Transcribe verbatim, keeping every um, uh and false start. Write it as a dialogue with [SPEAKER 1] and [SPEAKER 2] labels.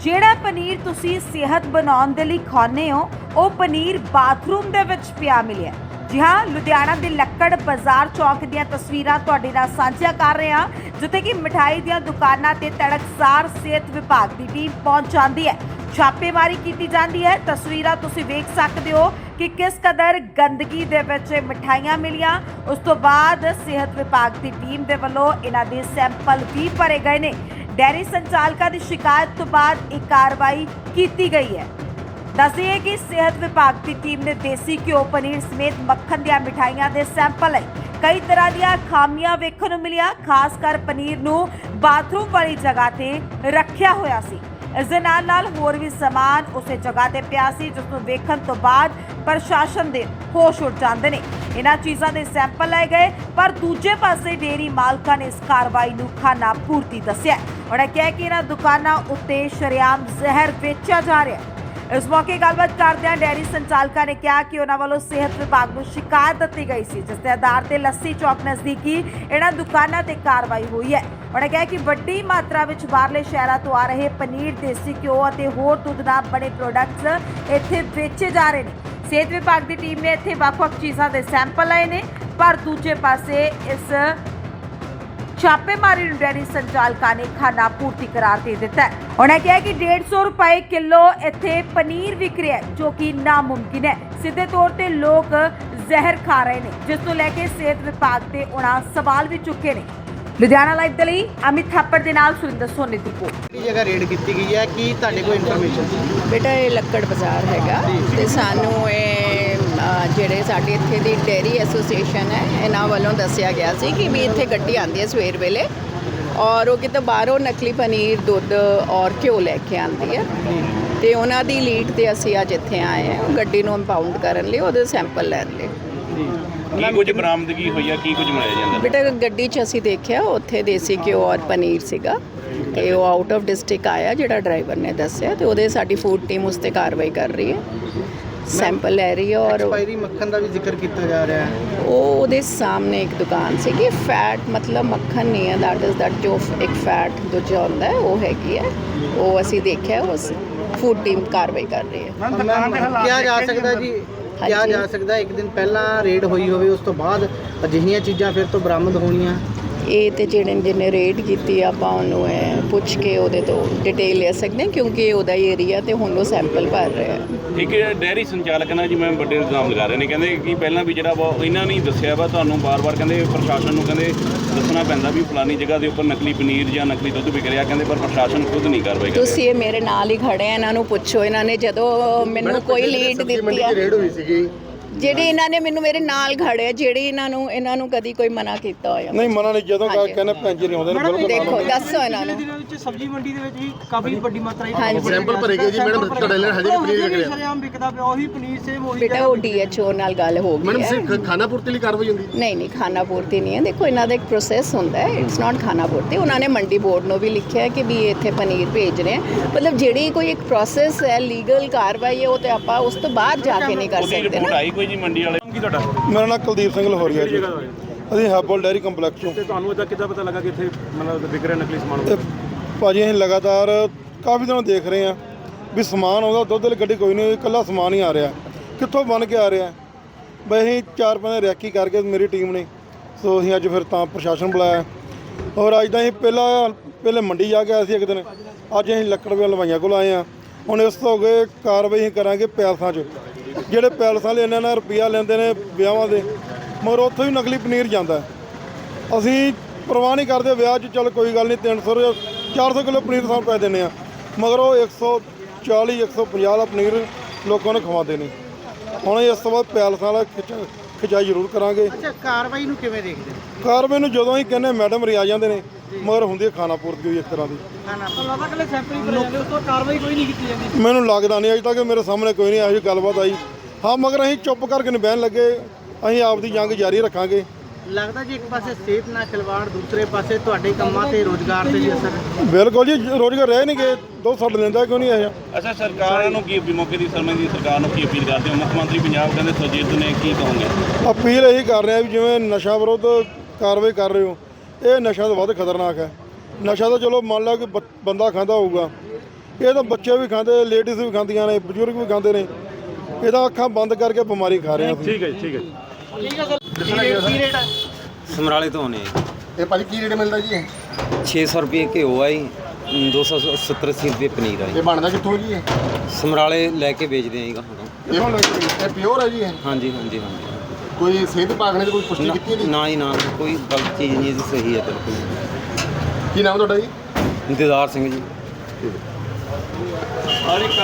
[SPEAKER 1] ਜਿਹੜਾ ਪਨੀਰ ਤੁਸੀਂ ਸਿਹਤ ਬਣਾਉਣ ਦੇ ਲਈ ਖਾਣੇ ਹੋ ਉਹ ਪਨੀਰ ਬਾਥਰੂਮ ਦੇ ਵਿੱਚ ਪਿਆ ਮਿਲਿਆ। ਜੀ ਹਾਂ, ਲੁਧਿਆਣਾ ਦੇ ਲੱਕੜ ਬਾਜ਼ਾਰ ਚੌਕ ਦੀਆਂ ਤਸਵੀਰਾਂ ਤੁਹਾਡੇ ਨਾਲ ਸਾਂਝਾ ਕਰ ਰਹੇ ਹਾਂ, ਜਿੱਥੇ ਕਿ ਮਿਠਾਈ ਦੀਆਂ ਦੁਕਾਨਾਂ ਤੇ ਤੜਕਸਾਰ ਸਿਹਤ ਵਿਭਾਗ ਦੀ ਟੀਮ ਪਹੁੰਚ ਜਾਂਦੀ ਹੈ। ਛਾਪੇਮਾਰੀ ਕੀਤੀ ਜਾਂਦੀ ਹੈ। ਤਸਵੀਰਾਂ ਤੁਸੀਂ ਵੇਖ ਸਕਦੇ ਹੋ ਕਿ ਕਿਸ ਕਦਰ ਗੰਦਗੀ ਦੇ ਵਿੱਚ ਮਿਠਾਈਆਂ ਮਿਲੀਆਂ। ਉਸ ਤੋਂ ਬਾਅਦ ਸਿਹਤ ਵਿਭਾਗ ਦੀ ਟੀਮ ਦੇ ਵੱਲੋਂ ਇਹਨਾਂ ਦੇ ਸੈਂਪਲ ਵੀ ਭਰੇ ਗਏ ਨੇ। ਡੈਰੀ ਸੰਚਾਲਕਾਂ ਦੀ ਸ਼ਿਕਾਇਤ ਤੋਂ ਬਾਅਦ ਇਹ ਕਾਰਵਾਈ ਕੀਤੀ ਗਈ ਹੈ। ਦੱਸਿए कि सेहत विभाग की टीम ने देसी घ्यो पनीर समेत मक्खन ਦੀਆਂ ਮਿਠਾਈਆਂ ਦੇ ਸੈਂਪਲ ਲਏ। ਕਈ ਤਰ੍ਹਾਂ ਦੀਆਂ ਖਾਮੀਆਂ ਵੇਖਣ ਨੂੰ ਮਿਲੀਆਂ। ਖਾਸ ਕਰ ਪਨੀਰ ਨੂੰ ਬਾਥਰੂਮ ਵਾਲੀ ਜਗ੍ਹਾ ਤੇ ਰੱਖਿਆ ਹੋਇਆ ਸੀ। ਇਸ ਦੇ ਨਾਲ ਨਾਲ ਹੋਰ ਵੀ ਸਮਾਨ ਉਸੇ ਜਗ੍ਹਾ ਤੇ ਪਿਆ ਸੀ, ਜਿਸ ਨੂੰ ਵੇਖਣ ਤੋਂ ਬਾਅਦ ਪ੍ਰਸ਼ਾਸਨ ਦੇ ਹੋਸ਼ ਉੱਡ ਜਾਂਦੇ ਨੇ। ਇਹਨਾਂ ਚੀਜ਼ਾਂ ਦੇ ਸੈਂਪਲ ਲਏ ਗਏ, ਪਰ ਦੂਜੇ ਪਾਸੇ ਡੇਅਰੀ ਮਾਲਕਾਂ ਨੇ ਇਸ ਕਾਰਵਾਈ ਨੂੰ ਖਾਨਾ ਪੂਰਤੀ ਦੱਸਿਆ। ਉਹਨਾਂ ਕਿਹਾ ਕਿ ਇਹਨਾਂ ਦੁਕਾਨਾਂ ਉੱਤੇ ਸ਼ਰੇਆਮ ਜ਼ਹਿਰ ਵੇਚਿਆ ਜਾ ਰਿਹਾ ਹੈ। इस मौके गलबात करदे डेयरी संचालकों ने कहा कि उन्होंने वालों सेहत विभाग को शिकायत दी गई सी, जिस आधार पर लस्सी चौक नज़दीकी इन्हां दुकानों ते कार्रवाई हुई है। उन्होंने कहा कि वड्डी मात्रा में बाहरले शहरों तो आ रहे पनीर, देसी घ्यो और होर दुध नाल बने प्रोडक्ट्स इत्थे बेचे जा रहे हैं। सेहत विभाग की टीम ने इत्थे ਵੱਖ-ਵੱਖ चीज़ों के सैंपल लए ने, पर दूजे पासे इस छापेमारी डेयरी संचालकों ने खाना पूर्ति करार दे दिता है। उन्होंने कहा कि डेढ़ सौ रुपए किलो इत्थे पनीर विक रहा है, जो कि नामुमकिन है। सीधे तौर पर लोग जहर खा रहे हैं, जिस को लैके सेहत विभाग से उन्हें सवाल भी चुके हैं। लुधियाना लाइव के लिए अमित थापड़ के नाल सुरिंदर सोनी की रिपोर्ट।
[SPEAKER 2] जगह रेड की गई है कि ਤੁਹਾਡੇ कोई इन्फॉर्मेशन
[SPEAKER 3] बेटा ये लक्कड़ बाजार हैगा ਤੇ ਸਾਨੂੰ ਇਹ ਜਿਹੜੇ ਸਾਡੇ ਇੱਥੇ ਦੀ ਡੇਅਰੀ ਐਸੋਸੀਏਸ਼ਨ ਹੈ ਇਹਨਾਂ ਵੱਲੋਂ ਦੱਸਿਆ ਗਿਆ ਸੀ ਕਿ ਵੀ ਇੱਥੇ ਗੱਡੀ ਆਉਂਦੀ ਹੈ ਸਵੇਰ ਵੇਲੇ ਔਰ ਉਹ ਕਿਤੇ ਬਾਹਰੋਂ ਨਕਲੀ ਪਨੀਰ, ਦੁੱਧ ਔਰ ਘਿਓ ਲੈ ਕੇ ਆਉਂਦੀ ਹੈ ਤੇ ਉਹਨਾਂ ਦੀ ਲੀਡ ਤੇ ਅਸੀਂ ਅੱਜ ਇੱਥੇ ਆਏ ਹਾਂ ਗੱਡੀ ਨੂੰ ਇੰਪਾਊਂਡ ਕਰਨ ਲਈ, ਉਹਦੇ ਸੈਂਪਲ ਲੈਣ ਲਈ।
[SPEAKER 4] ਕੀ ਕੁਝ ਬਰਾਮਦਗੀ ਹੋਈ ਆ, ਕੀ ਕੁਝ ਮਿਲਿਆ ਜਾਂਦਾ?
[SPEAKER 3] ਬੇਟਾ ਗੱਡੀ 'ਚ ਅਸੀਂ ਦੇਖਿਆ ਉੱਥੇ ਦੇਸੀ ਘਿਓ ਔਰ ਪਨੀਰ ਸੀਗਾ ਤੇ ਉਹ ਆਊਟ ਆਫ ਡਿਸਟ੍ਰਿਕਟ ਆਇਆ ਜਿਹੜਾ ਡਰਾਈਵਰ ਨੇ ਦੱਸਿਆ ਤੇ ਉਹਦੇ ਸਾਡੀ ਫੂਡ ਟੀਮ ਉਸ 'ਤੇ ਕਾਰਵਾਈ ਕਰ ਰਹੀ ਹੈ, ਸੈਂਪਲ ਲੈ ਰਹੀ ਹੈ। ਔਰ
[SPEAKER 2] ਐਕਸਪਾਇਰੀ ਮੱਖਣ ਦਾ ਵੀ ਜ਼ਿਕਰ ਕੀਤਾ ਜਾ ਰਿਹਾ ਹੈ।
[SPEAKER 3] ਉਹ ਉਹਦੇ ਸਾਹਮਣੇ ਇੱਕ ਦੁਕਾਨ ਸੀਗੀ, ਫੈਟ ਮਤਲਬ ਮੱਖਣ ਨਹੀਂ ਹੈ, ਦੈਟ ਇਜ਼ ਦੈਟ ਜੋ ਇੱਕ ਫੈਟ ਦੂਜਾ ਹੁੰਦਾ ਹੈ ਉਹ ਹੈਗੀ ਹੈ, ਉਹ ਅਸੀਂ ਦੇਖਿਆ, ਉਸ ਫੂਡ ਟੀਮ ਕਾਰਵਾਈ ਕਰ ਰਹੀ ਹੈ।
[SPEAKER 2] ਕਿਹਾ ਜਾ ਸਕਦਾ ਜੀ ਕਿਹਾ ਜਾ ਸਕਦਾ ਇੱਕ ਦਿਨ ਪਹਿਲਾਂ ਰੇਡ ਹੋਈ ਹੋਵੇ, ਉਸ ਤੋਂ ਬਾਅਦ ਅਜਿਹੀਆਂ ਚੀਜ਼ਾਂ ਫਿਰ ਤੋਂ ਬਰਾਮਦ ਹੋਣੀਆਂ।
[SPEAKER 3] ਇਹ ਤੇ ਜਿਹੜੇ ਜਿਹਨੇ ਰੇਡ ਕੀਤੀ ਆਪਾਂ ਉਹਨੂੰ ਇਹ ਪੁੱਛ ਕੇ ਉਹਦੇ ਤੋਂ ਡਿਟੇਲ ਲੈ ਸਕਦੇ ਹਾਂ, ਕਿਉਂਕਿ ਉਹਦਾ ਹੀ ਏਰੀਆ ਤੇ ਹੁਣ ਉਹ ਸੈਂਪਲ ਭਰ ਰਿਹਾ।
[SPEAKER 4] ਇੱਕ ਡੈਰੀ ਸੰਚਾਲਕ ਨਾਲ ਜੀ ਮੈਂ ਵੱਡੇ ਇਲਜ਼ਾਮ ਲਗਾ ਰਹੇ ਨੇ, ਕਹਿੰਦੇ ਕਿ ਪਹਿਲਾਂ ਵੀ ਜਿਹੜਾ ਵਾ ਇਹਨਾਂ ਨੇ ਦੱਸਿਆ ਵਾ ਤੁਹਾਨੂੰ ਬਾਰ-ਬਾਰ, ਕਹਿੰਦੇ ਪ੍ਰਸ਼ਾਸਨ ਨੂੰ ਕਹਿੰਦੇ ਦੱਸਣਾ ਪੈਂਦਾ ਵੀ ਫਲਾਨੀ ਜਗ੍ਹਾ ਦੇ ਉੱਪਰ ਨਕਲੀ ਪਨੀਰ ਜਾਂ ਨਕਲੀ ਦੁੱਧ ਵਿਕ ਰਿਹਾ, ਕਹਿੰਦੇ ਪਰ ਪ੍ਰਸ਼ਾਸਨ ਖੁਦ ਨਹੀਂ ਕਾਰਵਾਈ ਕਰ ਰਿਹਾ।
[SPEAKER 3] ਤੁਸੀਂ ਇਹ ਮੇਰੇ ਨਾਲ ਹੀ ਖੜੇ ਆ, ਇਹਨਾਂ ਨੂੰ ਪੁੱਛੋ। ਇਹਨਾਂ ਨੇ ਜਦੋਂ ਮੈਨੂੰ ਕੋਈ ਲੀਡ ਦਿੱਤੀ ਆ,
[SPEAKER 2] ਰੇਡ ਹੋਈ ਸੀਗੀ
[SPEAKER 3] ਜਿਹੜੇ ਇਹਨਾਂ ਨੇ ਮੈਨੂੰ ਮੇਰੇ ਨਾਲ ਖੜੇ, ਜਿਹੜੇ ਇਹਨਾਂ ਨੂੰ ਇਹਨਾਂ ਨੂੰ ਕਦੀ ਕੋਈ ਮਨਾ ਕੀਤਾ ਹੋਇਆ?
[SPEAKER 5] ਨਹੀਂ, ਮਨਾ ਨਹੀਂ। ਜਦੋਂ ਕਹਿੰਦੇ ਪੰਜ ਨਹੀਂ ਆਉਂਦੇ ਨੇ ਬਿਲਕੁਲ।
[SPEAKER 3] ਦੇਖੋ ਦੱਸੋ ਇਹਨਾਂ ਨੂੰ।
[SPEAKER 6] ਵਿੱਚ ਸਬਜ਼ੀ ਮੰਡੀ ਦੇ ਵਿੱਚ ਵੀ ਕਾਫੀ ਵੱਡੀ ਮਾਤਰਾ
[SPEAKER 3] ਹਾਂਜੀ
[SPEAKER 2] ਸੈਂਪਲ ਭਰੇ ਗਏ ਜੀ ਮੈਡਮ, ਤੁਹਾਡੇ ਲਈ ਹਜੇ ਵੀ ਪਨੀਰ ਵਿਕ ਰਿਹਾ।
[SPEAKER 6] ਸ਼ਰੇਆਮ ਵਿਕਦਾ ਪਿਆ ਉਹੀ ਪਨੀਰ ਸੇਮ ਉਹੀ।
[SPEAKER 3] ਬੇਟਾ ਉਹ ਡੀਐਚਓ ਨਾਲ ਗੱਲ ਹੋ ਗਈ ਹੈ।
[SPEAKER 2] ਮੈਡਮ ਖਾਣਾ ਪੂਰਤੀ ਲਈ ਕਾਰਵਾਈ ਹੁੰਦੀ?
[SPEAKER 3] ਨਹੀਂ ਨਹੀਂ, ਖਾਣਾ ਪੂਰਤੀ ਨਹੀਂ ਹੈ। ਦੇਖੋ ਇਹਨਾਂ ਦਾ ਇੱਕ ਪ੍ਰੋਸੈਸ ਹੁੰਦਾ ਹੈ, ਇਟਸ ਨਾਟ ਖਾਣਾ ਪੂਰਤੀ। ਉਹਨਾਂ ਨੇ ਮੰਡੀ ਬੋਰਡ ਨੂੰ ਵੀ ਲਿਖਿਆ ਹੈ ਕਿ ਵੀ ਇੱਥੇ ਪਨੀਰ ਭੇਜ ਰਹੇ ਆ, ਮਤਲਬ ਜਿਹੜੀ ਕੋਈ ਇੱਕ ਪ੍ਰੋਸੈਸ ਹੈ, ਲੀਗਲ ਕਾਰਵਾਈ ਹੈ, ਉਹ ਤੇ ਆਪਾਂ ਉਸ ਤੋਂ ਬਾਅਦ ਜਾ ਕੇ ਨਹੀਂ ਕਰ ਸਕਦੇ ਨਾ।
[SPEAKER 4] ਆਈ ਕੋਈ ਜੀ ਮੰਡੀ ਵਾਲੇ ਕੀ ਤੁਹਾਡਾ?
[SPEAKER 5] ਮੇਰਾ ਨਾਮ ਕੁਲਦੀਪ ਸਿੰਘ ਲਹੋਰੀਆ ਜੀ, ਅਸੀਂ ਹੈਬਲ ਡੈਰੀ ਕੰਪਲੈਕਸ ਤੋਂ।
[SPEAKER 7] ਤੇ ਤੁਹਾਨੂੰ ਇਹਦਾ ਕਿੱਦਾਂ ਪਤਾ ਲੱਗਾ ਕਿ ਇੱਥੇ ਮਤਲਬ ਵਿਕ ਰਿਹਾ ਨਕਲੀ ਸਮਾਨ?
[SPEAKER 5] ਤੇ ਭਾਜੀ ਅਸੀਂ ਲਗਾਤਾਰ ਕਾਫੀ ਦਿਨੋਂ ਦੇਖ ਰਹੇ ਹਾਂ ਵੀ ਸਮਾਨ ਆਉਂਦਾ, ਦੁੱਧ ਵਾਲੀ ਗੱਡੀ ਕੋਈ ਨਹੀਂ, ਇਕੱਲਾ ਸਮਾਨ ਹੀ ਆ ਰਿਹਾ। ਕਿੱਥੋਂ ਬਣ ਕੇ ਆ ਰਿਹਾ? ਬਈ ਅਸੀਂ ਚਾਰ ਪੰਜ ਰੈਕੀ ਕਰਕੇ ਮੇਰੀ ਟੀਮ ਨੇ, ਸੋ ਅਸੀਂ ਅੱਜ ਫਿਰ ਤਾਂ ਪ੍ਰਸ਼ਾਸਨ ਬੁਲਾਇਆ। ਔਰ ਅੱਜ ਤਾਂ ਅਸੀਂ ਪਹਿਲਾਂ ਪਹਿਲੇ ਮੰਡੀ ਜਾ ਕੇ ਆਏ ਸੀ ਇੱਕ ਦਿਨ, ਅੱਜ ਅਸੀਂ ਲੱਕੜ ਵੇ ਹਲਵਾਈਆਂ ਕੋਲ ਆਏ ਹਾਂ। ਹੁਣ ਇਸ ਤੋਂ ਅੱਗੇ ਕਾਰਵਾਈ ਅਸੀਂ ਕਰਾਂਗੇ ਪੈਲਸਾਂ 'ਚ, ਜਿਹੜੇ ਪੈਲਸਾਂ ਵਾਲੇ ਇਹਨਾਂ ਨਾਲ ਰੁਪਈਆ ਲੈਂਦੇ ਨੇ ਵਿਆਹਾਂ ਦੇ, ਮਗਰ ਉੱਥੋਂ ਹੀ ਨਕਲੀ ਪਨੀਰ ਜਾਂਦਾ। ਅਸੀਂ ਪਰਵਾਹ ਨਹੀਂ ਕਰਦੇ ਵਿਆਹ 'ਚ, ਚੱਲ ਕੋਈ ਗੱਲ ਨਹੀਂ, ਤਿੰਨ ਸੌ ਚਾਰ ਸੌ ਕਿਲੋ ਪਨੀਰ ਸਾਨੂੰ ਪੈ ਦਿੰਦੇ ਆ, ਮਗਰ ਉਹ ਇੱਕ ਸੌ ਚਾਲੀ ਇੱਕ ਸੌ ਪੰਜਾਹ ਦਾ ਪਨੀਰ ਲੋਕਾਂ ਨੂੰ ਖਵਾਉਂਦੇ ਨੇ। ਹੁਣ ਇਸ ਤੋਂ ਬਾਅਦ ਪੈਲਸਾਂ ਵਾਲਾ ਖਿੱਚ ਖਿਚਾਈ ਜ਼ਰੂਰ ਕਰਾਂਗੇ।
[SPEAKER 2] ਅੱਛਾ, ਕਾਰਵਾਈ ਨੂੰ ਕਿਵੇਂ ਦੇਖਦੇ?
[SPEAKER 5] ਕਾਰਵਾਈ ਨੂੰ ਜਦੋਂ ਹੀ ਕਹਿੰਦੇ ਮੈਡਮ ਰੀ ਆ ਜਾਂਦੇ ਨੇ, ਮਗਰ ਹੁੰਦੀ ਹੈ ਖਾਣਾ ਪੂਰਤੀ ਹੋਈ ਇੱਕ ਤਰ੍ਹਾਂ ਦੀ।
[SPEAKER 6] ਲੱਗਦਾ ਕਿ ਸੈਂਪਲ ਹੀ ਭਰੇ ਜਾਂਦੇ, ਉਸ ਤੋਂ ਕਾਰਵਾਈ ਕੋਈ ਨਹੀਂ ਕੀਤੀ ਜਾਂਦੀ।
[SPEAKER 5] ਮੈਨੂੰ ਲੱਗਦਾ ਨਹੀਂ, ਅਜੇ ਤੱਕ ਮੇਰੇ ਸਾਹਮਣੇ ਕੋਈ ਨਹੀਂ ਇਹੋ ਜਿਹੀ ਗੱਲਬਾਤ ਆਈ। ਹਾਂ, ਮਗਰ ਅਸੀਂ ਚੁੱਪ ਕਰਕੇ ਨਹੀਂ ਬਹਿਣ ਲੱਗੇ, ਅਸੀਂ ਆਪਦੀ ਜੰਗ ਜਾਰੀ ਰੱਖਾਂਗੇ।
[SPEAKER 2] ਲੱਗਦਾ ਜੀ ਇੱਕ ਪਾਸੇ ਸਿਹਤ ਨਾਲ ਖਿਲਵਾੜ, ਦੂਸਰੇ ਪਾਸੇ ਤੁਹਾਡੇ ਕੰਮਾਂ ਤੇ ਰੋਜ਼ਗਾਰ ਤੇ ਵੀ ਅਸਰ।
[SPEAKER 5] ਬਿਲਕੁਲ ਜੀ, ਰੋਜ਼ਗਾਰ ਰਹਿ ਨਹੀਂ ਗਏ, ਦੋ ਛੱਡ ਲੈਂਦਾ ਕਿਉਂ ਨਹੀਂ ਇਹ?
[SPEAKER 4] ਅੱਛਾ, ਸਰਕਾਰਾਂ ਨੂੰ ਕੀ ਮੌਕੇ ਦੀ ਸਮੇਂ ਦੀ ਸਰਕਾਰ ਨੂੰ ਕੀ ਅਪੀਲ ਕਰਦੇ ਹੋ? ਮੁੱਖ ਮੰਤਰੀ ਪੰਜਾਬ ਕਹਿੰਦੇ ਸੁਰਜੀਤ ਨੇ, ਕੀ ਕਹੋਗੇ?
[SPEAKER 5] ਅਪੀਲ ਇਹੀ ਕਰ ਰਹੇ ਆ ਵੀ ਜਿਵੇਂ ਨਸ਼ਾ ਵਿਰੁੱਧ ਕਾਰਵਾਈ ਕਰ ਰਹੇ ਹੋ, ਇਹ ਨਸ਼ਾ ਤੋਂ ਵੱਧ ਖਤਰਨਾਕ ਹੈ। ਨਸ਼ਾ ਤਾਂ ਚਲੋ ਮੰਨ ਲਾ ਕਿ ਬ- ਬੰਦਾ ਖਾਂਦਾ ਹੋਊਗਾ, ਇਹ ਤਾਂ ਬੱਚੇ ਵੀ ਖਾਂਦੇ, ਲੇਡੀਜ਼ ਵੀ ਖਾਂਦੀਆਂ ਨੇ, ਬਜ਼ੁਰਗ ਵੀ ਖਾਂਦੇ ਨੇ। ਇਹ ਤਾਂ ਅੱਖਾਂ ਬੰਦ ਕਰਕੇ ਬਿਮਾਰੀ ਖਾ ਰਹੇ ਆ ਅਸੀਂ।
[SPEAKER 7] ਠੀਕ ਹੈ ਜੀ ਠੀਕ ਹੈ ਜੀ
[SPEAKER 6] ਠੀਕ ਹੈ ਸਰ ਕੀ ਰੇਟ ਹੈ
[SPEAKER 8] ਸਮਰਾਲੇ ਤੋਂ ਆਉਂਦੇ ਆ
[SPEAKER 9] ਇਹ ਭਾਜੀ ਕੀ ਰੇਟ ਮਿਲਦਾ ਜੀ ਇਹ
[SPEAKER 8] ਜੀ ਛੇ ਸੌ ਰੁਪਏ ਘਿਓ ਆ ਜੀ, ਦੋ ਸੌ ਸੱਤਰ ਅੱਸੀ ਰੁਪਏ ਪਨੀਰ ਆ ਜੀ।
[SPEAKER 9] ਇਹ ਬਣਦਾ ਕਿੱਥੋਂ ਜੀ ਇਹ
[SPEAKER 8] ਸਮਰਾਲੇ ਲੈ ਕੇ ਵੇਚਦੇ ਆ ਜੀ ਗਾਹਾਂ ਤੋਂ।
[SPEAKER 9] ਇਹ ਇਹ ਪਿਓਰ ਹੈ ਜੀ ਇਹ
[SPEAKER 8] ਹਾਂਜੀ ਹਾਂਜੀ ਹਾਂਜੀ
[SPEAKER 9] ਕੋਈ ਸਿਹਤ ਵਿਭਾਗ ਨੇ ਕੋਈ ਪੁਸ਼ਟੀ ਕੀਤੀ ਹੈ ਜੀ?
[SPEAKER 8] ਨਾ ਜੀ ਨਾ, ਕੋਈ ਗਲਤ ਚੀਜ਼ ਨਹੀਂ ਜੀ, ਸਹੀ ਹੈ ਬਿਲਕੁਲ।
[SPEAKER 9] ਕੀ ਨਾਮ ਤੁਹਾਡਾ ਜੀ?
[SPEAKER 8] ਦਿਦਾਰ ਸਿੰਘ ਜੀ।